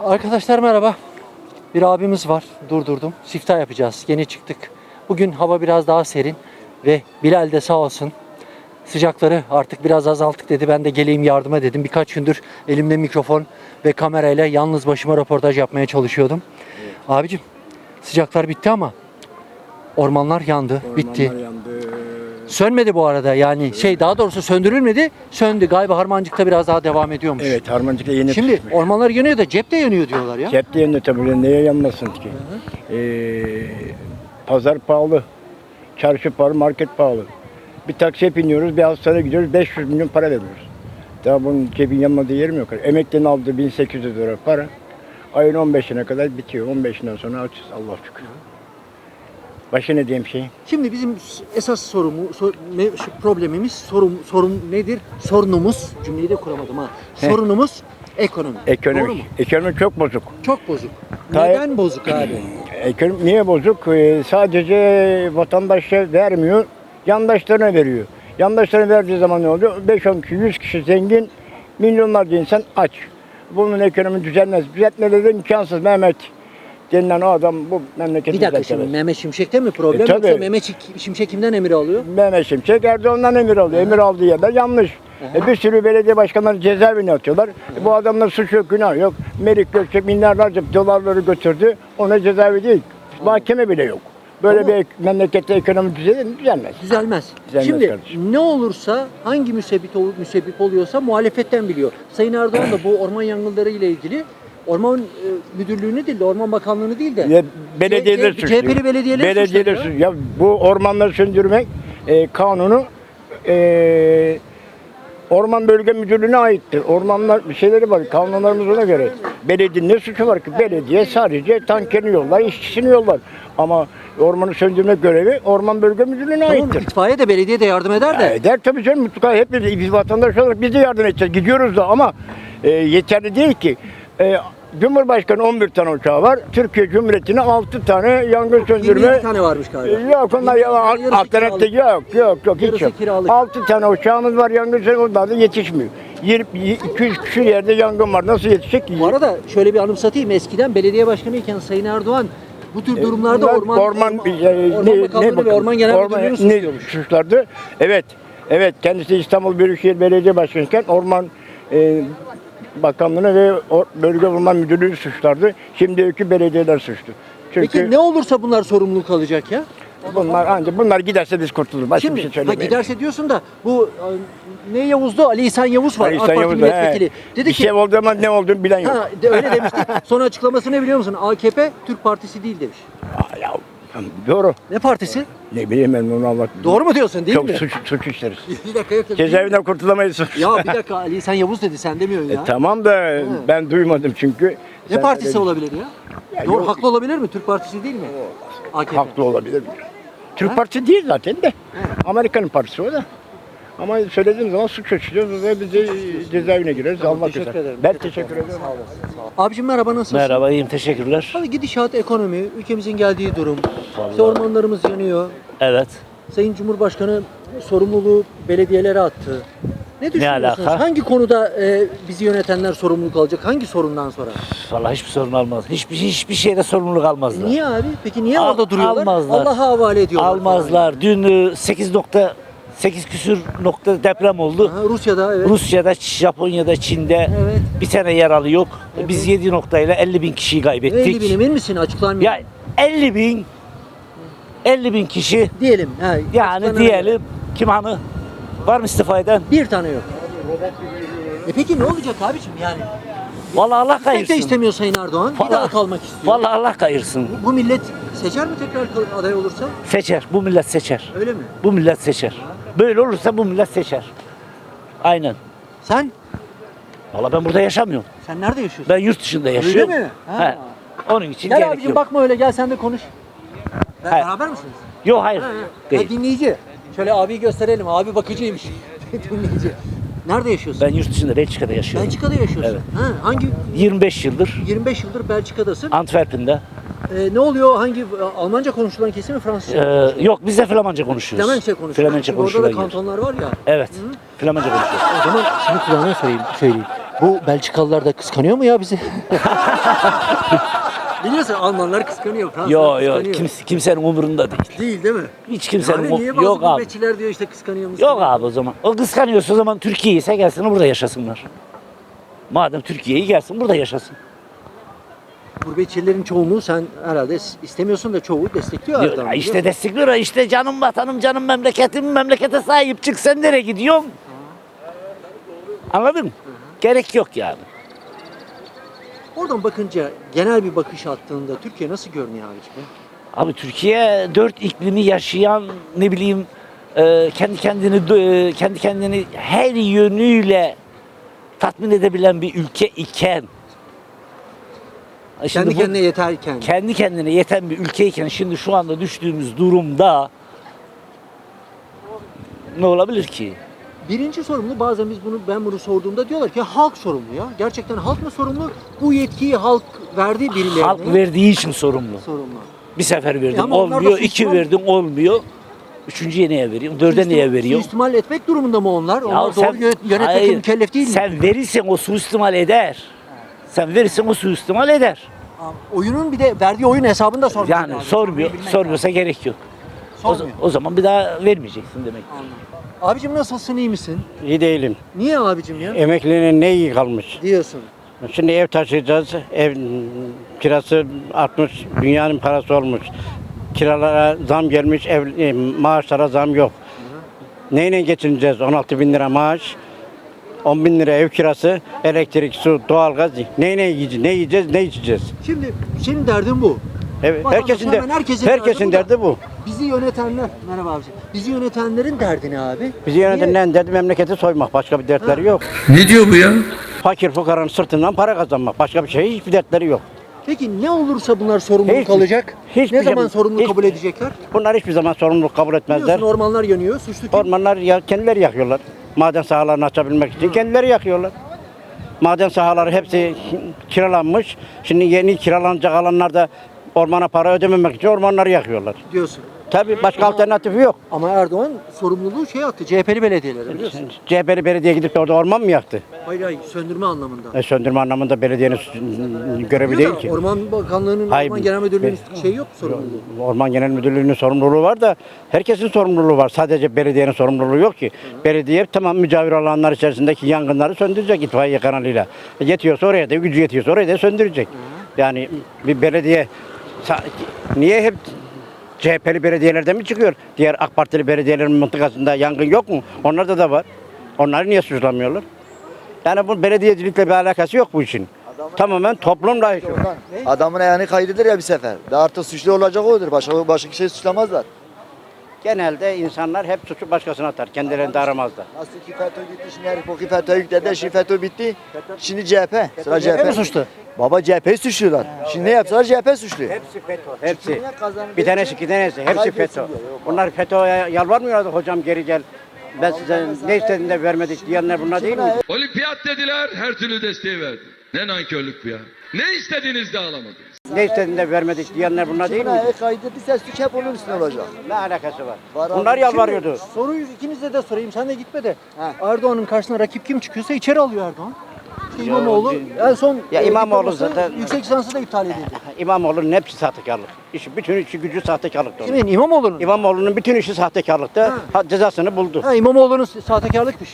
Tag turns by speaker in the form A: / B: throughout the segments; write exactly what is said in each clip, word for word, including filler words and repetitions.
A: Arkadaşlar merhaba. Bir abimiz var. Durdurdum. Siftah yapacağız. Yeni çıktık. Bugün hava biraz daha serin ve Bilal de sağ olsun sıcakları artık biraz azalttık dedi. Ben de geleyim yardıma dedim. Birkaç gündür elimde mikrofon ve kamerayla yalnız başıma röportaj yapmaya çalışıyordum. Evet. Abicim sıcaklar bitti ama ormanlar yandı, ormanlar bitti. Yandı. Sönmedi bu arada yani evet. şey daha doğrusu söndürülmedi, söndü. Galiba Harmancık'ta biraz daha devam ediyormuş.
B: Evet, Harmancık'ta yeni
A: Şimdi
B: tutmuş.
A: Ormanlar yanıyor da cepte yanıyor diyorlar ya.
B: Cepte yanıyor tabii, neye yanmasın ki? Ee, pazar pahalı, çarşı pahalı, market pahalı. Bir taksiye biniyoruz, bir hastaneye gidiyoruz, beş yüz milyon para veriyoruz. Daha bunun cebin yanmadığı yerim yok. Emeklinin aldığı bin sekiz yüz lira para, ayın on beşine kadar bitiyor. on beşinden sonra açız, Allah şükür. Başka ne diyeyim şey?
A: Şimdi bizim esas sorumu, sor, me, şu problemimiz, sorum, sorun nedir? Sorunumuz, cümleyi de kuramadım ha. Sorunumuz ekonomi.
B: Ekonomi.
A: Doğru mu?
B: Ekonomi çok bozuk.
A: Çok bozuk.
B: Tay-
A: Neden bozuk abi?
B: Ekonomi niye bozuk? Ee, sadece vatandaşa vermiyor, yandaşlarına veriyor. Yandaşlarına verdiği zaman ne oluyor? beş on kişi, yüz kişi zengin, milyonlarca insan aç. Bunun ekonomi düzelmez. Düzeltmeleri de imkansız. Mehmet denilen o adam bu memleketi
A: Bir dakika şimdi Mehmet Şimşek'te mi problem
B: e,
A: yoksa Mehmet Şimşek kimden emir alıyor?
B: Mehmet Şimşek Erdoğan'dan emir alıyor. Aha. Emir aldığı yerler yanlış. E, bir sürü belediye başkanları cezaevine atıyorlar. E, bu adamlar suç yok, günah yok. Melik Gökçek milyarlarca dolarları götürdü. Ona cezaevi değil. Aha. Mahkeme bile yok. Böyle Ama bir memlekette ekonomi düzelir mi? Düzelmez.
A: Düzelmez.
B: Düzelmez
A: Şimdi
B: kardeşim.
A: Ne olursa hangi müsebbip, ol, müsebbip oluyorsa muhalefetten biliyor. Sayın Erdoğan da bu orman yangınları ile ilgili Orman e, Müdürlüğü'nü değil de Orman Bakanlığı'nı değil de
B: ya, belediyeler
A: C H P'li belediyeler
B: belediyeler suçluyor. Ya bu ormanları söndürmek e, kanunu e, Orman Bölge Müdürlüğü'ne aittir. Ormanlar bir şeyleri var, kanunlarımız ona göre. Belediyenin ne suçu var ki? Belediye sadece tankerini yollar, işçisini yollar. Ama ormanı söndürme görevi Orman Bölge Müdürlüğü'ne
A: tamam,
B: aittir.
A: İtfaiye de belediye de yardım eder de.
B: Ya eder tabii canım, mutlaka hepimiz biz vatandaş olarak biz de yardım edeceğiz. Gidiyoruz da ama e, yeterli değil ki. E, Cumhurbaşkanı on bir tane uçağı var. Türkiye Cumhuriyeti'ne altı tane yangın söndürme.
A: yirmi iki tane varmış galiba.
B: Yok onlar ya, alternatif yok yok yok hiç yok. altı tane uçağımız var, yangın söndürme, onlar da yetişmiyor. iki yüz küsur yerde yangın var. Nasıl yetişecek ki?
A: Bu arada şöyle bir anımsatayım. Eskiden belediye başkanı iken Sayın Erdoğan bu tür durumlarda
B: Bunlar
A: orman
B: orman,
A: orman,
B: e,
A: orman
B: ne,
A: Bakanlığı
B: ne
A: ve Orman Genel Müdürlüğü'nü suçluyormuş.
B: Suçlardı. Evet. Evet. Kendisi İstanbul Büyükşehir Belediye Başkanı'yken Orman e, Bakanlığı'nı ve Bölge Orman Müdürlüğü'nü suçlardı. Şimdiki belediyeler suçlu. Çünkü
A: Peki ne olursa bunlar sorumluluk alacak ya?
B: bunlar ancak bunlar giderse biz kurtuluruz. Başka
A: Şimdi,
B: bir şey
A: ha,
B: söylemeyelim.
A: giderse diyorsun da bu ne Yavuz'du? Ali İhsan Yavuz var.
B: Ali
A: AK
B: İhsan
A: Parti
B: Yavuz,
A: milletvekili.
B: he.
A: Dedi
B: bir
A: ki
B: şey oldu ama ne olduğunu bilen yok.
A: ha, de, öyle demişti. Sonra açıklaması ne biliyor musun? A K P Türk Partisi değil demiş.
B: Aa, ya, doğru.
A: Ne partisi?
B: Ne bileyim ben onu Allah.
A: Doğru mu diyorsun değil
B: Çok
A: mi?
B: suç, suç işleriz.
A: Bir dakika yok.
B: Cezaevinden kurtulamayız.
A: Ya bir dakika Ali İhsan Yavuz dedi sen demiyorsun ya.
B: E, tamam da ben duymadım çünkü.
A: Ne
B: Sen
A: partisi
B: öyle-
A: olabilir ya?
B: Ya
A: Doğru
B: yok.
A: haklı olabilir mi? Türk Partisi değil mi? A K P.
B: Haklı olabilir. Türk
A: Ha?
B: Partisi değil zaten de. Amerika'nın partisi o da. Ama söylediğim zaman suç açılıyoruz ve biz de cezaevine gireriz.
A: Tamam,
B: Allah
A: teşekkür
B: güzel.
A: ederim.
B: Ben
A: Çok
B: teşekkür ederim.
A: Sağ olasın. Sağ olasın. Abicim merhaba nasılsın?
C: Merhaba, iyiyim, teşekkürler.
A: Abi gidişat, ekonomi, ülkemizin geldiği durum. İşte ormanlarımız yanıyor.
C: Evet.
A: Sayın Cumhurbaşkanı sorumluluğu belediyelere attı. Ne düşünüyorsunuz?
C: alaka?
A: Hangi konuda e, bizi yönetenler sorumluluk alacak? Hangi sorundan sonra?
C: Vallahi hiçbir sorun almaz. Hiçbir hiçbir şeyde sorumluluk almazlar.
A: Niye abi? Peki niye
C: Al-
A: orada duruyorlar?
C: almazlar.
A: Allah'a havale ediyorlar.
C: Almazlar. Dün e, sekiz nokta sekiz küsür nokta deprem oldu.
A: Aha, Rusya'da evet.
C: Rusya'da, Japonya'da, Çin'de
A: Evet.
C: bir tane yaralı yok.
A: Evet.
C: Biz yedi noktayla elli bin kişiyi kaybettik.
A: elli bin emin misin? Açıklar mı?
C: Ya elli bin elli bin kişi
A: Diyelim. Ha,
C: yani
A: açıklanana
C: diyelim kim hani var mı istifa eden?
A: Bir tane yok. E peki ne olacak abiciğim yani?
C: Vallahi Allah
A: Pek de
C: kayırsın.
A: istemiyor Sayın Erdoğan. Bir
C: Vallahi-
A: daha kalmak istiyor.
C: Vallahi Allah kayırsın.
A: Bu, bu millet seçer mi tekrar kal- aday olursa?
C: Seçer. Bu millet seçer.
A: Öyle mi?
C: Bu millet seçer. Böyle olursa bu millet seçer. Aynen.
A: Sen?
C: Vallahi ben burada yaşamıyorum.
A: Sen nerede yaşıyorsun?
C: Ben yurt dışında yaşıyorum.
A: mi? Ha.
C: He. Onun için
A: Gel
C: gerek
A: abicim
C: yok.
A: bakma öyle gel sen de konuş. Ben,
C: Hayır.
A: beraber misiniz?
C: Yok hayır.
A: Ha,
C: Değil.
A: dinleyici. Şöyle abiyi gösterelim. Abi bakıcıymış. Dinleyici. Nerede yaşıyorsun?
C: Ben yurt dışında Belçika'da yaşıyorum.
A: Belçika'da yaşıyorsun.
C: Evet.
A: Ha, hangi
C: yirmi beş yıldır
A: yirmi beş yıldır Belçika'dasın?
C: Antwerpen'de.
A: Ee, ne oluyor? Hangi Almanca konuşulan kesim mi Fransızca?
C: Ee, yok biz de Flamanca konuşuyoruz.
A: Flemençe konuşuyoruz.
C: Flamanca
A: Şimdi orada da
C: konuşulan yer.
A: kantonlar var ya.
C: Evet. Flamanca konuşuyoruz.
A: O zaman şunu kulağına söyleyeyim. söyleyeyim. Bu Belçikalılar da kıskanıyor mu ya bizi? Biliyorsun Almanlar kıskanıyor, Fransızlar
C: Yok
A: kıskanıyor.
C: yok kimse, kimsenin umurunda değil.
A: Değil değil mi?
C: Hiç kimsenin
A: Yani niye
C: umurunda
A: bazı
C: yok abi.
A: gurbetçiler diyor işte kıskanıyor musun?
C: Yok abi o zaman. O kıskanıyorsa o zaman Türkiye ise gelsin burada yaşasınlar. Madem Türkiye'yi gelsin burada yaşasın.
A: Gurbetçilerin çoğunluğu sen herhalde istemiyorsun da çoğu destekliyor
C: Diyor,
A: Erdoğan'ı.
C: ya işte destekliyor ya, işte canım vatanım canım memleketim memlekete sahip çık sen nereye gidiyorsun? Anladın mı? Gerek yok yani.
A: Oradan bakınca genel bir bakış attığında Türkiye nasıl görünüyor abiciğim?
C: Abi Türkiye dört iklimi yaşayan ne bileyim e, kendi kendini e, kendi kendini her yönüyle tatmin edebilen bir ülke iken şimdi
A: Kendi
C: bu-
A: kendine yeterken.
C: kendi kendine yeten bir ülkeyken şimdi şu anda düştüğümüz durumda ne olabilir ki?
A: Birinci sorumlu bazen biz bunu ben bunu sorduğumda diyorlar ki halk sorumlu ya. Gerçekten halk mı sorumlu? Bu yetkiyi halk verdi birilerine.
C: Halk verdiği için sorumlu.
A: sorumlu.
C: Bir sefer verdim
A: ama onlar da
C: olmuyor, iki
A: suistimal-
C: verdim olmuyor. Üçüncüye neye veriyorum? Dörde neye veriyorum?
A: Suistimal etmek durumunda mı onlar? Onlar
C: Ya
A: doğru
C: sen-
A: yö- yönetmekle
C: hayır,
A: mükellef değil mi?
C: Sen verirsen o suistimal eder. Sen verirsen o suistimal eder.
A: Oyunun bir de verdiği oyun hesabını da sormak
C: Yani
A: lazım.
C: sormuyor,
A: Sormayı bilmek
C: sormuyorsa gerek yok. O,
A: Sormuyor.
C: o zaman bir daha vermeyeceksin demek.
A: lazım. Abicim nasılsın, iyi misin?
D: İyi değilim.
A: Niye abicim ya?
D: Emeklinin ne iyi kalmış.
A: Diyorsun.
D: Şimdi ev taşıyacağız. Ev kirası artmış. Dünyanın parası olmuş. Kiralara zam gelmiş. Ev, e, maaşlara zam yok. Neyle geçineceğiz? on altı bin lira maaş. on bin lira ev kirası. Elektrik, su, doğalgaz. Neyle yiyeceğiz? Ne yiyeceğiz? Ne içeceğiz?
A: Şimdi senin derdin bu.
D: Evet,
A: Vatandaş
D: herkesin de
A: hemen herkesin
D: herkesin
A: derdi bu da.
D: derdi bu.
A: Bizi yönetenler, merhaba abicim. Bizi yönetenlerin derdi ne abi?
D: Bizi
A: Niye?
D: yönetenlerin derdi memleketi soymak. Başka bir dertleri
A: Ha.
D: yok.
E: Ne diyor bu ya?
D: Fakir fukaranın sırtından para kazanmak. Başka bir şey hiçbir dertleri yok.
A: Peki ne olursa bunlar sorumluluk
D: Hiç-
A: alacak?
D: hiçbir
A: Ne zaman
D: zaman-
A: sorumluluk
D: hiç-
A: kabul edecekler?
D: Bunlar hiçbir zaman sorumluluk kabul etmezler.
A: Biliyorsun ormanlar yanıyor, suçlu kim?
D: Ormanlar ya, kendileri yakıyorlar. Maden sahalarını açabilmek için kendileri yakıyorlar. Maden sahaları hepsi kiralanmış. Şimdi yeni kiralanacak alanlarda ormana para ödememek için ormanları yakıyorlar.
A: Diyorsun.
D: Tabii başka alternatifi yok.
A: Ama Erdoğan sorumluluğu şey attı, C H P'li belediyelere biliyorsun.
D: C H P'li belediye gidip de orada orman mı yaktı?
A: Hayır hayır, söndürme anlamında.
D: E, söndürme anlamında belediyenin görevi
A: Diyor
D: değil
A: da,
D: ki.
A: Orman Bakanlığı'nın,
D: Hayır,
A: Orman Genel Müdürlüğü'nün
D: be-
A: şey yok sorumluluğu.
D: Orman Genel Müdürlüğü'nün sorumluluğu var da herkesin sorumluluğu var. Sadece belediyenin sorumluluğu yok ki. Belediye tamam mücavir alanlar içerisindeki yangınları söndürecek itfaiye kanalıyla. E, yetiyorsa oraya da, gücü yetiyorsa oraya da söndürecek. Yani bir belediye sa- niye hep C H P'li belediyelerden mi çıkıyor? Diğer AK Partili belediyelerin mıntıkasında yangın yok mu? Onlarda da var. Onları niye suçlamıyorlar? Yani bu belediyecilikle bir alakası yok bu işin. Tamamen toplumla işi.
F: Adamın ayağını kaydırır ya bir sefer. Daha artık suçlu olacak odur. Başka başka kişiyi suçlamazlar.
D: Genelde insanlar hep suçu başkasına atar. Kendilerini de aramazlar.
F: Nasıl ki FETÖ gitti, şimdi herif o ki FETÖ yükledi, şimdi FETÖ bitti. Şimdi C H P. Sıra C H P.
A: mi suçlu?
F: Baba C H P'yi suçluyorlar. Şimdi ne yapsalar C H P suçluyor.
D: Hepsi FETÖ. Hepsi. Bir tanesi iki tanesi. Hepsi FETÖ. Bunlar FETÖ'ye yalvarmıyorlardı hocam geri gel. Ben size ne istediğini de vermedik diyenler bunlar değil mi?
E: Olimpiyat dediler, her türlü desteği verdi. Ne nankörlük bu ya. Ne istediğiniz de alamadınız.
D: Ne istediğini de vermedik diyenler bunlar değil
F: Kimin
D: mi?
F: ayağı kaydırdıysa suç hep onun üstüne olacak.
D: Ne alakası var?
F: Var abi.
D: Bunlar yalvarıyordu.
A: Soruyu ikinize de sorayım, sen de gitme de. Erdoğan'ın karşısına rakip kim çıkıyorsa içeri alıyor Erdoğan. İşte İmamoğlu en son
D: Ya
A: e,
D: İmamoğlu
A: diploması,
D: zaten-
A: yüksek lisansı da iptal edildi.
D: İmamoğlu'nun hepsi sahtekarlık. İşi, bütün işi gücü sahtekarlıkta. onun.
A: Kimin? İmamoğlu'nun.
D: İmamoğlu'nun bütün işi sahtekarlıkta.
A: Ha.
D: Ha, cezasını buldu.
A: Ha, İmamoğlu'nun sahtekarlıkmış.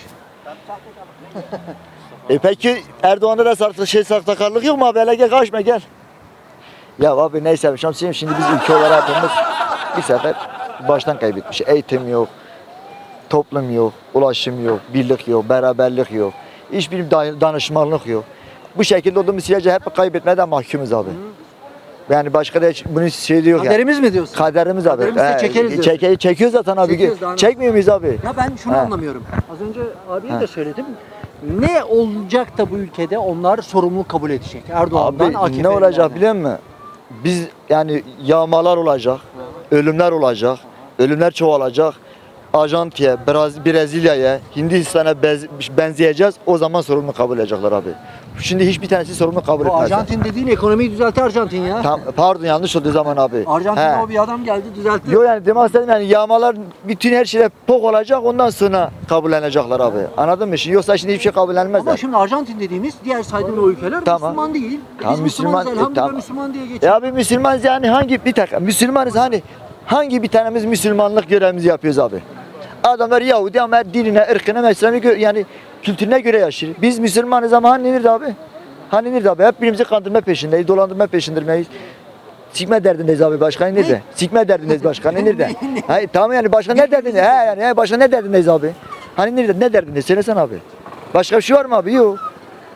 F: E peki Erdoğan'da da saklı şey sahtekarlık yok mu abi? Hele gel kaçma gel. Ya abi neyse Şamsiyem şimdi biz ülke olarak hepimiz bir sefer baştan kaybetmiş. Eğitim yok, toplum yok, ulaşım yok, birlik yok, beraberlik yok. Hiçbir da- danışmanlık yok. Bu şekilde olduğumuz sürece hep kaybetmeden mahkumuz abi. Yani başka da hiç bunun şey de yok yani.
A: Kaderimiz mi diyorsun?
F: Kaderimiz abi.
A: Kaderimizi
F: He,
A: çekeriz diyorsun.
F: çeke, çekiyoruz zaten abi.
A: Çekiyoruz daha ne-
F: Çekmiyor muyuz abi?
A: Ya ben şunu
F: Ha.
A: anlamıyorum. Az önce abiye de söyledim. Ne olacak da bu ülkede onlar sorumluluk kabul edecek Erdoğan'dan,
F: Abi
A: A K P'den.
F: ne olacak biliyor musun? Biz yani yağmalar olacak, ölümler olacak, ölümler çoğalacak. Arjantin'e, Braz- Brezilya'ya, Hindistan'a bez- benzeyeceğiz. O zaman sorumlu kabul edecekler abi. Şimdi hiçbir tanesi sorumlu kabul
A: Bu
F: etmezler.
A: Arjantin dediğin ekonomiyi düzeltti Arjantin ya.
F: Tam, pardon yanlış oldu zaman abi.
A: Arjantin'de
F: He.
A: o bir adam geldi düzeltti.
F: Yok yani demek istedim yani yağmalar bütün her şeyde pok olacak ondan sonra kabullenecekler abi. Anladın mı? Şimdi yoksa şimdi hiçbir şey
A: Ama
F: kabullenmezler.
A: şimdi Arjantin dediğimiz diğer saydığın o ülkeler
F: Tamam.
A: Müslüman değil. E
F: Tamam,
A: Biz Müslümanız
F: Müslüman- e,
A: elhamdülillah
F: tamam.
A: Müslüman diye
F: Ya
A: geçiyor.
F: abi Müslümanız yani hangi bir dakika Müslümanız hani hangi bir tanemiz Müslümanlık görevimizi yapıyoruz abi? Adamlar Yahudi ama dinine, ırkına, mezhebine göre yani kültürüne göre yaşıyor. Biz Müslümanız ama hani nerede abi? Hani nerede abi? Hep birimizi kandırma peşindeyiz, dolandırma peşindeyiz. Sikme derdindeyiz abi başka nerede? Sikme derdindeyiz başka nerede? Hayır tamam yani başka ne derdindeyiz? He yani he, başka ne derdindeyiz abi? Hani nerede ne derdindeyiz? Söylesene abi. Başka bir şey var mı abi? Yok.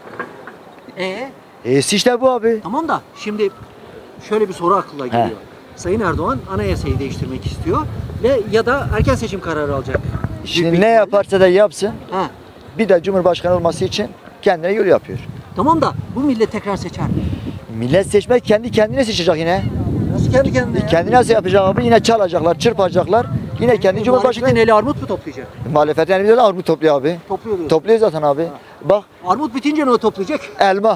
A: E
F: E işte bu abi.
A: tamam da şimdi şöyle bir soru aklıma geliyor. Sayın Erdoğan anayasayı değiştirmek istiyor ve ya da erken seçim kararı alacak. Büyük bir
F: Şimdi ne
A: ihtimalle.
F: yaparsa da yapsın.
A: Ha.
F: Bir de Cumhurbaşkanı olması için kendine yol yapıyor.
A: Tamam da bu millet tekrar seçer mi?
F: Millet seçmek kendi kendine seçecek yine.
A: Nasıl kendi kendine ya?
F: Kendi nasıl yapacak abi? Yine çalacaklar, çırpacaklar. Yine kendi Cumhurbaşkanı.
A: Muhalefetin eli armut mu toplayacak?
F: Muhalefet yani bir de armut topluyor abi.
A: Topluyor diyorsun.
F: Topluyor zaten abi. Bak
A: Armut bitince ne o toplayacak?
F: elma.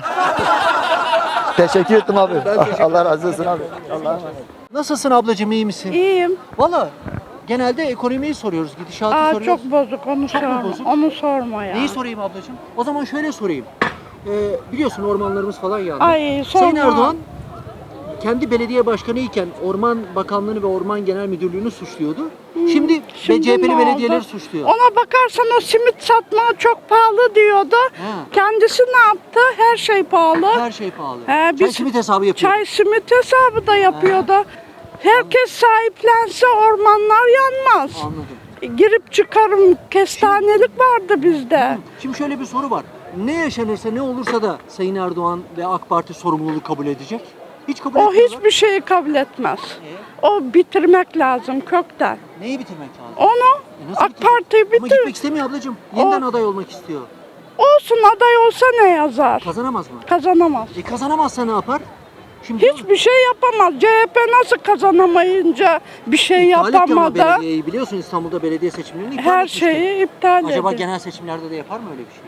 F: Teşekkür ettim abi.
A: Ben teşekkür
F: Allah razı olsun abi. Allah'a emanet.
A: Nasılsın ablacığım iyi misin?
G: İyiyim.
A: Valla genelde ekonomiyi soruyoruz, gidişatı
G: Aa,
A: soruyoruz.
G: çok bozuk onu
A: Çok mu
G: sorma.
A: bozuk?
G: Onu sorma ya.
A: Neyi sorayım ablacığım? O zaman şöyle sorayım. Ee, biliyorsun ormanlarımız falan yandı.
G: Ay, sorma.
A: Sayın Erdoğan kendi belediye başkanı iken Orman Bakanlığı'nı ve Orman Genel Müdürlüğü'nü suçluyordu. Şimdi,
G: Hmm, Şimdi
A: C H P'li
G: ne
A: belediyeleri
G: oldu?
A: suçluyor.
G: Ona bakarsan o simit satma çok pahalı diyordu.
A: Ha.
G: Kendisi ne yaptı? Her şey pahalı.
A: Her şey pahalı.
G: He,
A: Çay
G: biz-
A: simit hesabı yapıyor.
G: Çay simit hesabı da yapıyordu. Herkes sahiplense ormanlar yanmaz.
A: Anladım.
G: Girip çıkarım kestanelik vardı bizde.
A: Şimdi şöyle bir soru var. Ne yaşanırsa ne olursa da Sayın Erdoğan ve AK Parti sorumluluğu kabul edecek. Hiç kabul
G: O
A: etmiyorlar.
G: hiçbir şeyi kabul etmez. O bitirmek lazım kökten.
A: Neyi bitirmek lazım?
G: Onu
A: E nasıl
G: AK
A: bitirecek?
G: Parti'yi
A: Ama
G: bitir.
A: gitmek istemiyor ablacığım. Yeniden aday olmak istiyor.
G: Olsun aday olsa ne yazar?
A: Kazanamaz mı?
G: Kazanamaz.
A: E kazanamazsa ne yapar? Şimdi
G: Hiçbir şey yapamaz. C H P nasıl kazanamayınca bir şey
A: iptal etti ama
G: yapamadı?
A: belediyeyi biliyorsun İstanbul'da belediye seçimlerini iptal
G: Her
A: etmişti.
G: şeyi iptal
A: Acaba
G: edildi.
A: genel seçimlerde de yapar mı öyle bir şey?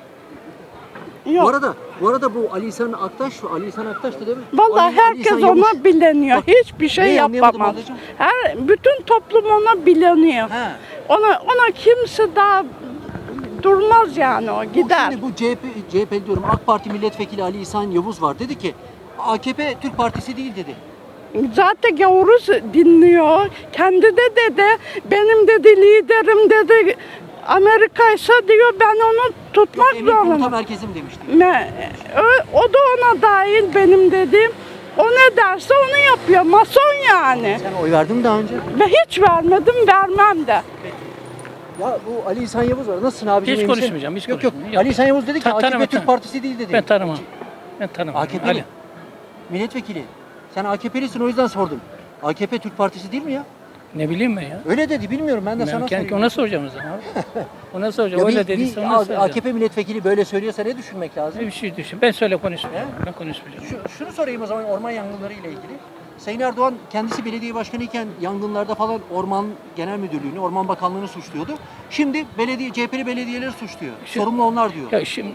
A: Bu
G: Yok.
A: arada, bu arada bu Ali İhsan Aktaş, Ali İhsan Aktaş'tı değil mi?
G: Vallahi
A: Ali- Ali
G: herkes
A: İhsan Yavuz.
G: ona bileniyor.
A: Bak,
G: Hiçbir şey
A: neyi anlayamadım
G: yapamaz.
A: ablacığım?
G: Her bütün toplum ona bileniyor.
A: He.
G: Ona ona kimse daha durmaz yani o
A: Bu
G: gider.
A: Şimdi bu C H P, C H P diyorum AK Parti milletvekili Ali İhsan Yavuz var. Dedi ki A K P Türk Partisi değil dedi.
G: Zaten gavuruz dinliyor. Kendi de dedi benim dedi liderim dedi Amerika ise diyor ben onu tutmak
A: Emir komuta
G: zorundayım.
A: merkezim demişti.
G: Me- o, o da ona dahil benim dediğim. O ne derse onu yapıyor. Mason yani.
A: Sen oy verdin mi daha önce?
G: Ve hiç vermedim, vermem de.
A: Ya bu Ali İhsan Yavuz var. Nasılsın abicim?
H: Hiç
A: iyi misin?
H: konuşmayacağım, hiç
A: yok, yok.
H: konuşmayacağım.
A: Ali İhsan Yavuz dedi ki
H: Ta-
A: A K P
H: tanımam,
A: Türk
H: tanımam.
A: Partisi değil dedi.
H: Ben tanımam. Ben tanımam.
A: A K P'li.
H: Ali.
A: Milletvekili. Sen A K P'lisin o yüzden sordum. A K P Türk Partisi değil mi ya?
H: Ne bileyim ben ya.
A: Öyle dedi bilmiyorum ben de
H: Ben
A: sana
H: kendi-
A: soruyorum.
H: ona soracağım o zaman abi. Ona soracağım.
A: Ya
H: Öyle
A: bir,
H: dediyse
A: bir
H: ona
A: A-
H: soracağım.
A: AKP milletvekili böyle söylüyorsa ne düşünmek lazım?
H: Bir şey düşün. Ben söyle konuşmayacağım. Ben konuşmayacağım.
A: Şu, şunu sorayım o zaman orman yangınları ile ilgili. Sayın Erdoğan kendisi belediye başkanı iken yangınlarda falan Orman Genel Müdürlüğü'nü, Orman Bakanlığı'nı suçluyordu. Şimdi belediye C H P'li belediyeleri suçluyor.
H: Şu-
A: Sorumlu onlar diyor.
H: Ya şimdi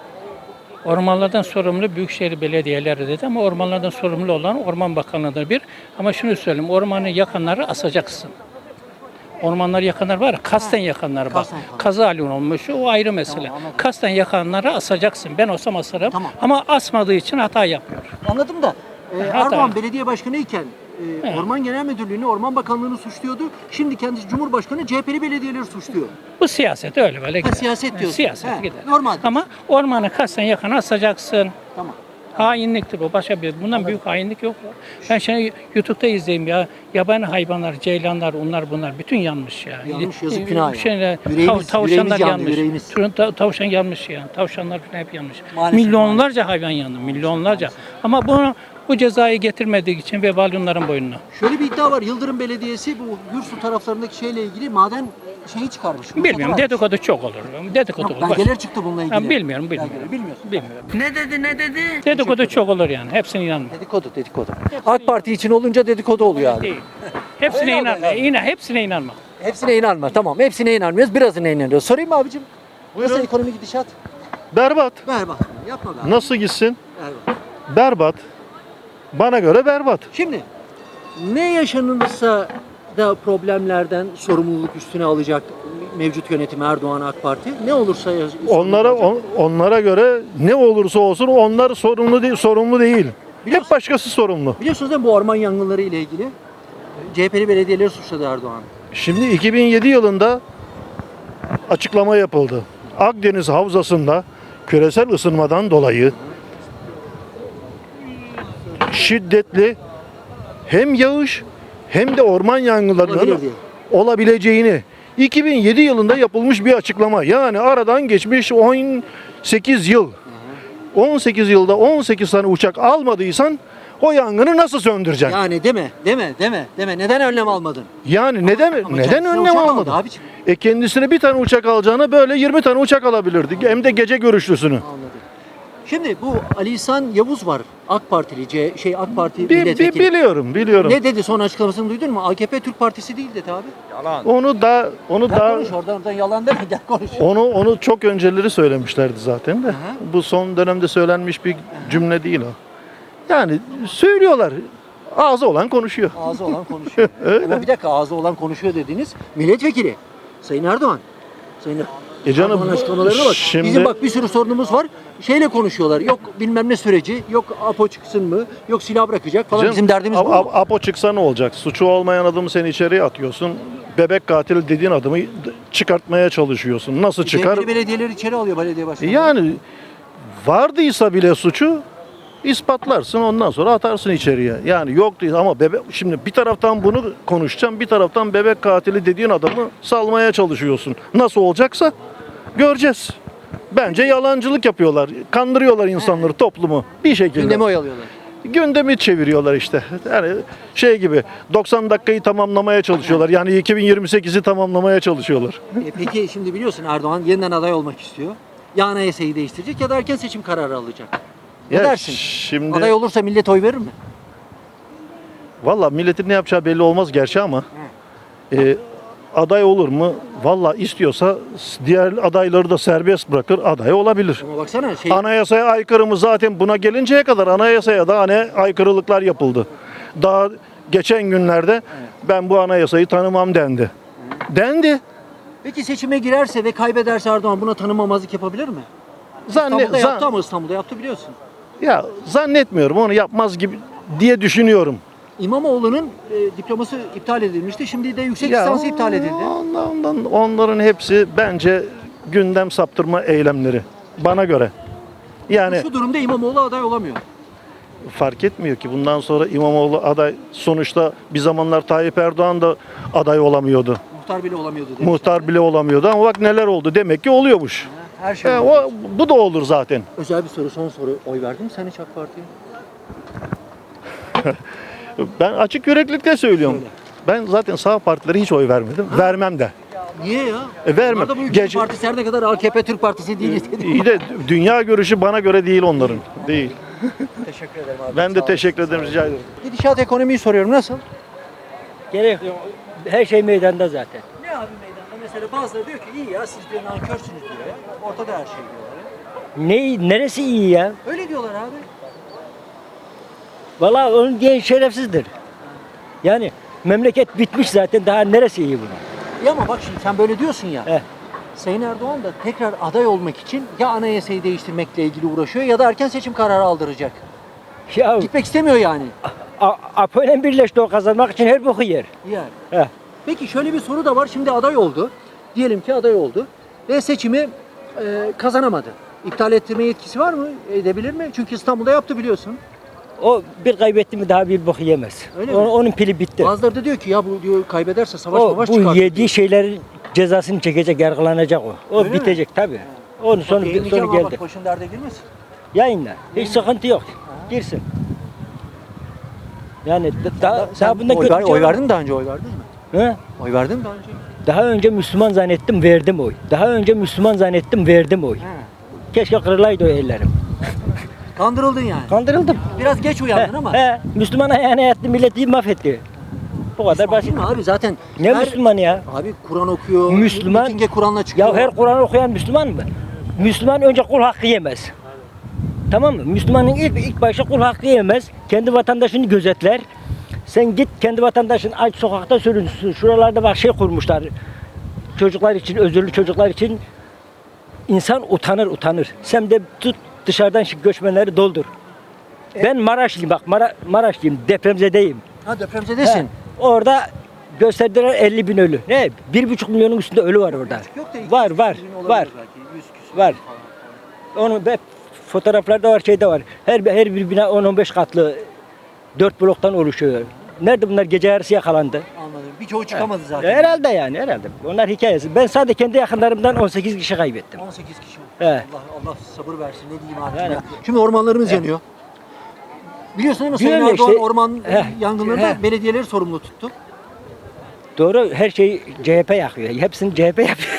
H: ormanlardan sorumlu büyükşehir belediyeleri dedi ama ormanlardan sorumlu olan Orman Bakanlığı'dır bir. Ama şunu söyleyeyim, ormanı yakanları asacaksın. Ormanları yakanlar var ya, kasten yakanlar bak.
A: Kasten yakanlar.
H: Kaza halin olmuş, o ayrı mesele.
A: Tamam, anladım.
H: Kasten yakanları asacaksın. Ben olsam asarım.
A: Tamam.
H: Ama asmadığı için hata yapıyor.
A: Anladım da e,
H: Hata.
A: Erdoğan belediye başkanı iken e,
H: He.
A: Orman Genel Müdürlüğü'nü, Orman Bakanlığı'nı suçluyordu. Şimdi kendisi Cumhurbaşkanı C H P'li belediyeleri suçluyor.
H: Bu siyaset öyle böyle gider.
A: siyaset diyorsun.
H: Siyaset
A: He,
H: gider.
A: normal.
H: Ama ormanı kasten yakan asacaksın.
A: Tamam.
H: Hainliktir bu. Başka bir. Bundan büyük hainlik yok. Ben şimdi YouTube'da izleyeyim ya. Yabani hayvanlar, ceylanlar, onlar bunlar bütün yanmış ya.
A: Yanmış, yazık,
H: Ee,
A: günah ya.
H: Şeyler,
A: Yüreğimiz-
H: tav- tavşanlar
A: yüreğimiz yandı,
H: yanmış.
A: yüreğimiz.
H: Turun- ta- Tavşan yanmış ya. Tavşanlar falan hep yanmış.
A: Maalesef,
H: Milyonlarca hayvan yandı. Milyonlarca. Ama bunu bu cezayı getirmediği için vebal onların boynuna.
A: Şöyle bir iddia var. Yıldırım Belediyesi bu Gürsu taraflarındaki şeyle ilgili maden şeyi çıkarmış. ruhsatı
H: Bilmiyorum.
A: vermiş.
H: Dedikodu çok olur. Dedikodu
A: Yok,
H: olur.
A: belgeler çıktı bununla ilgili.
H: Ben bilmiyorum, bilmiyorum.
A: Belgeler, bilmiyorsun.
H: Bilmiyorum.
I: Ne dedi ne dedi?
H: Dedikodu çok olur yani. Hepsine inanma.
A: Dedikodu, dedikodu. AK Parti için olunca dedikodu oluyor abi.
H: Değil. Hepsine
A: Öyle
H: inanma.
A: oluyor.
H: İnan, hepsine inanma.
A: Hepsine inanma. Tamam. Hepsine inanmıyoruz. Birazına inanıyoruz. Sorayım mı abicim?
I: Buyurun.
A: Nasıl ekonomi gidişat?
I: Berbat.
A: Ver bak. Yapma be abi.
I: Nasıl gitsin?
A: Ver bak.
I: Berbat. Bana göre berbat.
A: Şimdi ne yaşanırsa da problemlerden sorumluluk üstüne alacak mevcut yönetim Erdoğan AK Parti. Ne olursa ya-
I: Onlara
A: sorumlu olacak.
I: on- onlara göre ne olursa olsun onlar sorumlu değil, sorumlu değil.
A: Biliyorsun-
I: Hep başkası sorumlu.
A: Biliyorsunuz değil mi bu orman yangınları ile ilgili C H P'li belediyeleri suçladı Erdoğan.
I: Şimdi iki bin yedi yılında açıklama yapıldı. Akdeniz Havzası'nda küresel ısınmadan dolayı şiddetli hem yağış hem de orman yangınlarının
A: Olabilir diye.
I: olabileceğini iki bin yedi yılında yapılmış bir açıklama. Yani aradan geçmiş on sekiz yıl. on sekiz yılda on sekiz tane uçak almadıysan o yangını nasıl söndüreceksin?
A: Yani deme, deme, deme, deme. Neden önlem almadın?
I: Yani neden
A: Ama
I: neden
A: kendisine
I: önlem
A: uçak aldı
I: almadın?
A: abiciğim.
I: E kendisine bir tane uçak alacağına böyle yirmi tane uçak alabilirdi. Hem de gece görüşlüsünü.
A: Anladım. Şimdi bu Ali İhsan Yavuz var. AK Partili, C, şey AK Parti
I: Bi- bi-
A: milletvekili.
I: biliyorum, biliyorum.
A: Ne dedi son açıklamasını duydun mu? A K P Türk Partisi değil dedi abi.
I: Onu da onu
A: Gel
I: da
A: konuş oradan oradan yalan deme gel konuş.
I: onu onu çok önceleri söylemişlerdi zaten de.
A: Aha.
I: Bu son dönemde söylenmiş bir cümle değil o. Yani söylüyorlar. Ağzı olan konuşuyor.
A: Ağzı olan konuşuyor. Ama bir dakika ağzı olan konuşuyor dediniz. Milletvekili Sayın Erdoğan. Sayın
I: E canım,
A: Erdoğan açıklamalarına bak.
I: şimdi-
A: Bizim bak bir sürü sorunumuz var. Şeyle konuşuyorlar. Yok bilmem ne süreci, yok APO çıksın mı, yok silah bırakacak falan.
I: Canım,
A: Bizim derdimiz
I: A-
A: bu.
I: A- Apo çıksa ne olacak? Suçu olmayan adamı sen içeriye atıyorsun. Bebek katili dediğin adamı çıkartmaya çalışıyorsun. Nasıl çıkar?
A: C H P'li belediyeleri içeri alıyor belediye başkanı.
I: Yani vardıysa bile suçu ispatlarsın, ondan sonra atarsın içeriye. Yani yok değil ama bebek, şimdi bir taraftan bunu konuşacağım, bir taraftan bebek katili dediğin adamı salmaya çalışıyorsun. Nasıl olacaksa göreceğiz. Bence yalancılık yapıyorlar. Kandırıyorlar insanları, toplumu bir şekilde.
A: Gündemi oyalıyorlar.
I: Gündemi çeviriyorlar işte. Yani şey gibi doksan dakikayı tamamlamaya çalışıyorlar. Yani iki bin yirmi sekizi tamamlamaya çalışıyorlar.
A: E peki şimdi biliyorsun Erdoğan yeniden aday olmak istiyor. Ya anayasayı değiştirecek ya da erken seçim kararı alacak. Ne
I: Ya
A: dersin?
I: şimdi
A: Aday olursa millet oy verir mi?
I: valla milletin ne yapacağı belli olmaz gerçi ama e, aday olur mu? Valla istiyorsa diğer adayları da serbest bırakır, aday olabilir.
A: Ama baksana şey
I: Anayasaya aykırı mı? Zaten buna gelinceye kadar anayasaya da hani aykırılıklar yapıldı. Daha geçen günlerde ben bu anayasayı tanımam dendi. Dendi.
A: peki seçime girerse ve kaybederse Erdoğan buna tanımamazlık yapabilir mi?
I: Zanne,
A: İstanbul'da
I: zan-
A: yaptı ama İstanbul'da yaptı biliyorsun.
I: ya zannetmiyorum onu yapmaz gibi diye düşünüyorum.
A: İmamoğlu'nun e, diploması iptal edilmişti. Şimdi de yüksek
I: Ya
A: lisansı iptal edildi.
I: Ondan, ondan, onların hepsi bence gündem saptırma eylemleri. Bana göre. Yani
A: Şu durumda İmamoğlu aday olamıyor.
I: fark etmiyor ki bundan sonra İmamoğlu aday, sonuçta bir zamanlar Tayyip Erdoğan da aday olamıyordu.
A: Muhtar bile olamıyordu demiş.
I: Muhtar bile olamıyordu ama bak neler oldu. Demek ki oluyormuş.
A: Her şey
I: E,
A: oluyor.
I: o, bu da olur zaten.
A: Özel bir soru, son soru. Oy verdin mi sen hiç AK Parti'ye?
I: Ben açık yüreklilikle söylüyorum.
A: Söyle.
I: Ben zaten sağ partilere hiç oy vermedim. Vermem de.
A: Niye ya?
I: E, vermem.
A: Onlar da bu ülkenin
I: Gece-
A: partisi her ne kadar A K P Türk Partisi değil dedi.
I: İyi de dünya görüşü bana göre değil onların. Değil.
A: Teşekkür ederim abi.
I: Ben
A: Sağ
I: de
A: olun.
I: teşekkür ederim. Rica ederim.
A: Gidişat ekonomiyi soruyorum. Nasıl?
J: Gerek yok. Her şey meydanda zaten.
A: Ne abi meydanda? Mesela bazıları diyor ki iyi ya siz diyor nankörsünüz diyor ya. Ortada her şey diyorlar ya.
J: Ne, neresi iyi ya?
A: Öyle diyorlar abi.
J: Vallahi onun diyen şerefsizdir. Yani memleket bitmiş zaten, daha neresi iyi buna?
A: Ya ama bak şimdi sen böyle diyorsun ya.
J: Heh.
A: Sayın Erdoğan da tekrar aday olmak için ya anayasayı değiştirmekle ilgili uğraşıyor ya da erken seçim kararı aldıracak.
J: Ya
A: Gitmek istemiyor yani.
J: A- Apo'yla birleşti, o kazanmak için her boku yer.
A: Yani.
J: Heh.
A: Peki şöyle bir soru da var. Şimdi aday oldu. Diyelim ki aday oldu. Ve seçimi e, kazanamadı. İptal ettirme yetkisi var mı? Edebilir mi? Çünkü İstanbul'da yaptı biliyorsun.
J: O bir kaybetti mi daha bir boku yemez.
A: Öyle
J: O-
A: mi?
J: Onun pili bitti.
A: Bazıları da diyor ki ya bu diyor kaybederse savaş
J: O,
A: mavaş
J: bu
A: çıkar.
J: yediği şeylerin cezasını çekecek, yargılanacak o. O
A: Öyle mi?
J: bitecek tabii. Onun sonu,
A: Yayınlayacağım
J: sonu
A: ama bak
J: geldi.
A: başın derde girmesin.
J: Yayınla. Hiç sıkıntı yok. Girsin. Yani da- daha,
A: Sen
J: daha bundan
A: oy,
J: kötü
A: ver,
J: bir şey
A: oy
J: var mı?
A: verdin mi daha önce oy verdin mi?
J: He?
A: Oy verdin mi daha önce?
J: Daha önce Müslüman zannettim, verdim oy. Daha önce Müslüman zannettim, verdim oy.
A: He.
J: Keşke kırılaydı o ellerim.
A: Kandırıldın yani.
J: Kandırıldım.
A: Biraz geç uyandın
J: He,
A: ama.
J: he, Müslüman ayağına yattı, milleti mahvetti. Bu kadar basit.
A: Değil mi abi zaten?
J: Ne
A: her-
J: Müslüman ya?
A: Abi Kur'an okuyor.
J: Müslüman-
A: Mitinge Kur'an'la çıkıyor.
J: Ya her Kur'an okuyan Müslüman mı? Müslüman önce kul hakkı yemez. Tamam mı? Müslümanın ilk ilk başta kul hakkı yemez. Kendi vatandaşını gözetler. Sen git kendi vatandaşın aç sokakta sürünsün. Şuralarda bak şey kurmuşlar. Çocuklar için, özürlü çocuklar için insan utanır utanır. Sen de tut dışarıdan şu göçmenleri doldur. Ben Maraşlıyım bak Mara, Maraşlıyım depremzedeyim.
A: Ha depremzedesin.
J: He, orada gösterdiler elli bin ölü. Ne? Bir buçuk milyonun üstünde ölü var orada.
A: Yok da iki
J: Var
A: yüz
J: var
A: bin olabilir
J: var.
A: belki, yüz küsur
J: Var.
A: falan.
J: Onun hep fotoğraflarda var, şeyde var. Her her bir bina on on beş katlı dört bloktan oluşuyor. Nerede bunlar gece yarısı yakalandı?
A: Anladım. Birçoğu çıkamadı zaten.
J: Herhalde yani herhalde. Onlar hikayesi. Ben sadece kendi yakınlarımdan on sekiz kişi kaybettim.
A: on sekiz kişi.
J: He.
A: Allah Allah sabır versin. Ne diyeyim abi
J: Yani-
A: ya. Şimdi ormanlarımız yanıyor. Biliyorsun değil mi? Sayın
J: Biliyorum ya
A: Erdoğan
J: işte.
A: orman
J: Heh,
A: yangınlarında
J: heh.
A: belediyeleri sorumlu tuttu.
J: Doğru her şeyi C H P yakıyor. Hepsini C H P yapıyor.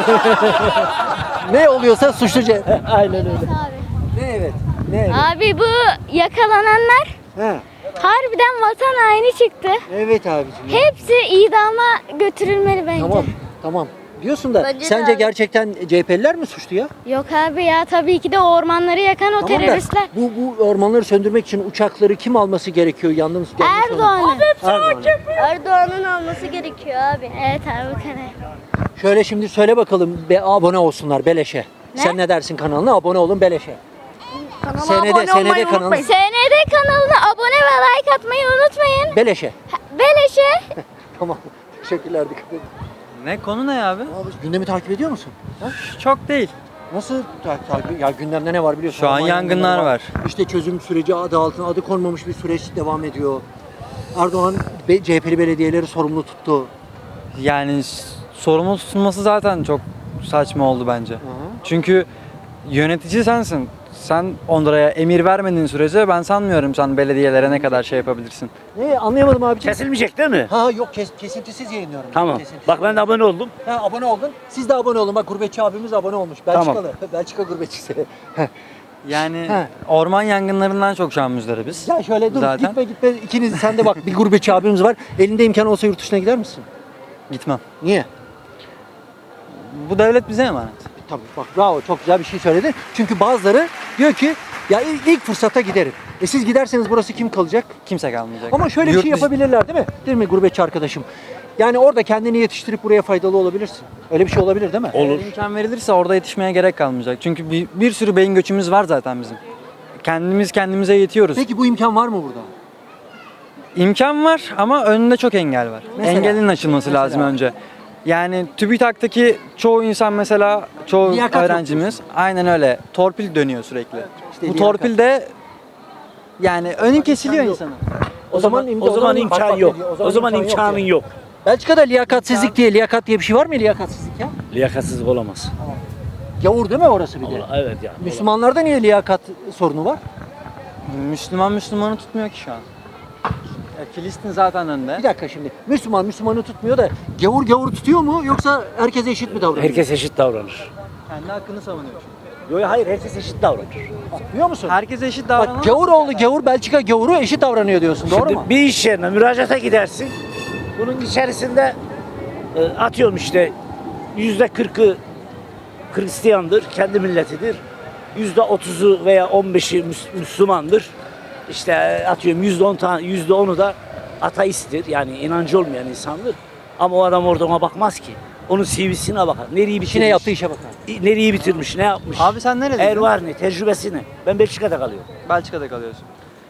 A: Ne oluyorsa suçlu C H P.
J: Aynen öyle.
G: Abi.
A: Ne evet. Ne evet.
G: Abi bu yakalananlar
A: He.
G: harbiden vatan haini çıktı.
A: Evet abicim. ya.
G: Hepsi idama götürülmeli bence.
A: Tamam. Tamam. Diyorsun da
G: Bence de
A: sence
G: abi.
A: gerçekten C H P'liler mi suçlu ya?
G: Yok abi ya tabii ki de o ormanları yakan o
A: Tamam da
G: teröristler.
A: bu, bu ormanları söndürmek için uçakları kim alması gerekiyor? Yandığımız
G: Erdoğan'ın.
A: Erdoğan.
G: Erdoğan'ın alması gerekiyor abi. Evet abi bu kadar.
A: Şöyle şimdi söyle bakalım be, abone olsunlar beleşe.
G: Ne?
A: Sen ne dersin kanalına? Abone olun beleşe.
G: Kanala
A: Senede-
G: abone
A: senede
G: olmayı
A: kanal-
G: unutmayın. Senede kanalına abone ve like atmayı unutmayın.
A: Beleşe.
G: Beleşe.
A: Tamam. Teşekkürler dikkat edin.
K: Ne konu ne abi?
A: Abi gündemi takip ediyor musun? Ha?
K: Çok değil.
A: Nasıl ta- takip? Ya gündemde ne var biliyorsun?
K: Şu an
A: Orman
K: yangınlar var.
A: İşte çözüm süreci adı altına adı konmamış bir süreç devam ediyor. Erdoğan be- C H P'li belediyeleri sorumlu tuttu.
K: Yani s- sorumlu tutulması zaten çok saçma oldu bence. Çünkü yönetici sensin. Sen onlara emir vermediğin sürece ben sanmıyorum sen belediyelere ne kadar şey yapabilirsin.
A: Ne anlayamadım abiciğim.
C: Kesilmeyecek değil mi?
A: Ha yok kes, kesintisiz yayınlıyorum.
C: Tamam.
A: Kesintisiz.
C: Bak ben de abone oldum.
A: Ha, abone oldun. Siz de abone olun. Bak gurbetçi abimiz abone olmuş. Belçikalı. Belçika gurbetçisi.
K: Yani
A: He.
K: orman yangınlarından çok şu an müzdaribiz.
A: Ya şöyle dur
K: Zaten.
A: gitme gitme. İkiniz sen de bak bir gurbetçi abimiz var. Elinde imkan olsa yurt dışına gider misin?
K: Gitmem.
A: Niye?
K: Bu devlet bize emanet.
A: Tabii bak bravo çok güzel bir şey söyledin. Çünkü bazıları diyor ki ya ilk, ilk fırsatta giderim. E siz giderseniz burası kim kalacak?
K: Kimse kalmayacak.
A: Ama şöyle bir
K: Yurt
A: şey
K: dışı-
A: yapabilirler değil mi? Değil mi gurbetçi arkadaşım? Yani orada kendini yetiştirip buraya faydalı olabilirsin. Öyle bir şey olabilir değil mi?
K: Eğer imkan verilirse orada yetişmeye gerek kalmayacak. Çünkü bir, bir sürü beyin göçümüz var zaten bizim. Kendimiz kendimize yetiyoruz.
A: Peki bu imkan var mı burada?
K: İmkan var ama önünde çok engel var.
A: Mesela?
K: Engelin aşılması
A: Mesela?
K: lazım önce. Yani TÜBİTAK'taki çoğu insan mesela, çoğu
A: Liyakat yok
K: öğrencimiz aynen öyle. Torpil dönüyor sürekli.
A: İşte
K: Bu
A: liyakat.
K: torpil de yani önü kesiliyor
A: yok.
K: insanın.
C: O zaman
A: imkan-
C: o zaman
A: bak,
C: imkan
A: bak
C: yok.
A: ne diyor,
C: O zaman
A: imkan
C: imkanın
A: diyor.
C: yok.
A: Belçika'da liyakatsizlik diye, liyakat diye bir şey var mı liyakatsizlik ya?
C: Liyakatsızlık olamaz.
A: Gavur değil mi orası bir de?
C: Evet ya.
A: Müslümanlarda niye liyakat sorunu var?
K: Müslüman Müslümanı tutmuyor ki şu an. Ya Filistin zaten önde.
A: Bir dakika şimdi. Müslüman Müslümanı tutmuyor da gavur gavur tutuyor mu yoksa herkes eşit mi davranıyor?
C: Herkes eşit davranır.
K: Kendi hakkını savunuyor.
C: Yok hayır herkes eşit davranır.
A: Biliyor musun?
K: Herkes eşit
A: Bak
K: davranamaz.
A: gavur oğlu gavur Belçika gavuru eşit davranıyor diyorsun doğru
C: Şimdi
A: mu?
C: bir iş yerine müracaata gidersin. Bunun içerisinde e, atıyorum işte yüzde kırkı Hristiyandır, kendi milletidir. Yüzde otuzu veya on beşi Müs- Müslümandır. İşte e, atıyorum yüzde on tane, yüzde onu da ateisttir. Yani inancı olmayan insandır. Ama o adam orada ona bakmaz ki. Onun C V'sine bakar. Nereyi bitirmiş?
A: İşine yaptığı işe bakar.
C: Nereyi bitirmiş, ne yapmış?
K: Abi sen neredesin?
C: Er var ne, tecrübesi ne? Ben Belçika'da kalıyorum.
K: Belçika'da kalıyorsun.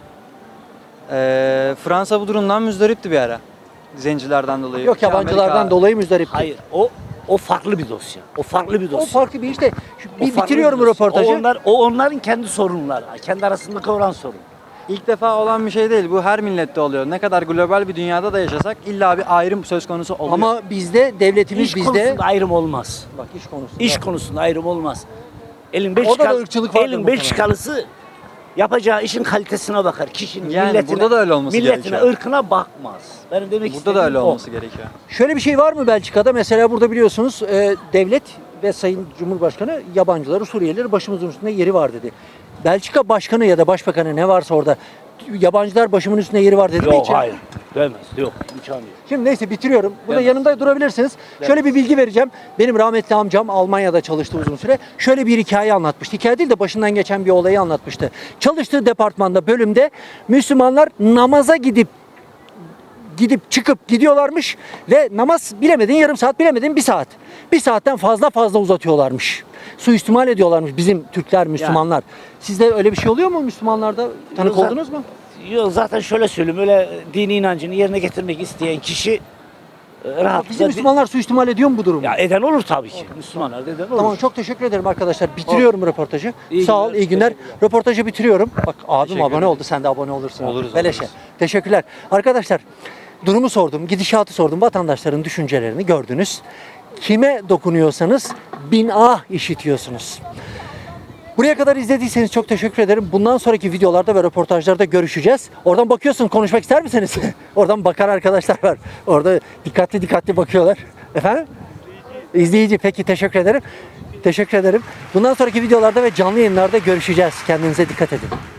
K: Ee, Fransa bu durumdan müzdaripti bir ara. Zencilerden dolayı.
A: Yok yabancılardan
K: Amerika-
A: dolayı müzdarip.
C: Hayır, o o farklı bir dosya. O farklı bir
A: O
C: dosya.
A: farklı bir işte. Şu-
C: O
A: bir
C: farklı
A: bitiriyorum
C: bir dosya.
A: röportajı.
C: O, onlar, o onların kendi sorunları. Kendi arasındaki olan sorun.
K: İlk defa olan bir şey değil. Bu her millette oluyor. Ne kadar global bir dünyada da yaşasak illa bir ayrım söz konusu oluyor.
A: Ama bizde devletimiz
C: İş
A: bizde.
C: konusunda ayrım olmaz.
A: Bak iş konusunda.
C: İş konusunda ayrım olmaz. Elin
A: Orada da
C: Belçikalı,
A: ırkçılık vardır
C: elin
A: muhtemelen.
C: Belçikalısı yapacağı işin kalitesine bakar. Kişinin
K: Yani
C: milletine,
K: burada da öyle olması
C: milletine,
K: gerekiyor.
C: ırkına bakmaz. Benim demek
K: Burada da öyle
C: istediğim o.
K: olması gerekiyor.
A: Şöyle bir şey var mı Belçika'da? Mesela burada biliyorsunuz e, devlet ve Sayın Cumhurbaşkanı yabancıları, Suriyelileri başımızın üstünde yeri var dedi. Belçika başkanı ya da başbakanı ne varsa orada yabancılar başımın üstünde yeri var dedi mi
C: Yok
A: hiç?
C: hayır. Dövmez. Yok. İmkanı yok.
A: Şimdi neyse bitiriyorum. Burada
C: Evet.
A: yanımda durabilirsiniz. Şöyle bir bilgi vereceğim. Benim rahmetli amcam Almanya'da çalıştı uzun süre. Şöyle bir hikaye anlatmıştı. Hikaye değil de başından geçen bir olayı anlatmıştı. Çalıştığı departmanda, bölümde Müslümanlar namaza gidip gidip çıkıp gidiyorlarmış ve namaz bilemedin yarım saat, bilemedin bir saat. Bir saatten fazla fazla uzatıyorlarmış. Suistimal ediyorlarmış bizim Türkler, Müslümanlar. Sizde öyle bir şey oluyor mu Müslümanlarda? Tanık
C: Yok,
A: oldunuz mu?
C: Yok zaten şöyle söyleyeyim. Öyle dini inancını yerine getirmek isteyen kişi e, rahatlıkla...
A: Bizim Müslümanlar suistimal ediyor mu bu durumu?
C: Ya eden olur tabii ki. Müslümanlar da eden olur.
A: Tamam, çok teşekkür ederim arkadaşlar. Bitiriyorum röportajı.
C: İyi
A: Sağ ol,
C: günler,
A: iyi günler.
C: teşekkürler.
A: Röportajı bitiriyorum. Bak abim abone oldu, sen de abone olursun.
K: Oluruz,
A: Beleşe.
K: oluruz.
A: Teşekkürler. Arkadaşlar, durumu sordum, gidişatı sordum, vatandaşların düşüncelerini gördünüz. Kime dokunuyorsanız bin ah işitiyorsunuz. Buraya kadar izlediyseniz çok teşekkür ederim. Bundan sonraki videolarda ve röportajlarda görüşeceğiz. Oradan bakıyorsun, konuşmak ister misiniz? Oradan bakan arkadaşlar var. Orada dikkatli dikkatli bakıyorlar. Efendim? İzleyici. Peki, teşekkür ederim. Teşekkür ederim. Bundan sonraki videolarda ve canlı yayınlarda görüşeceğiz. Kendinize dikkat edin.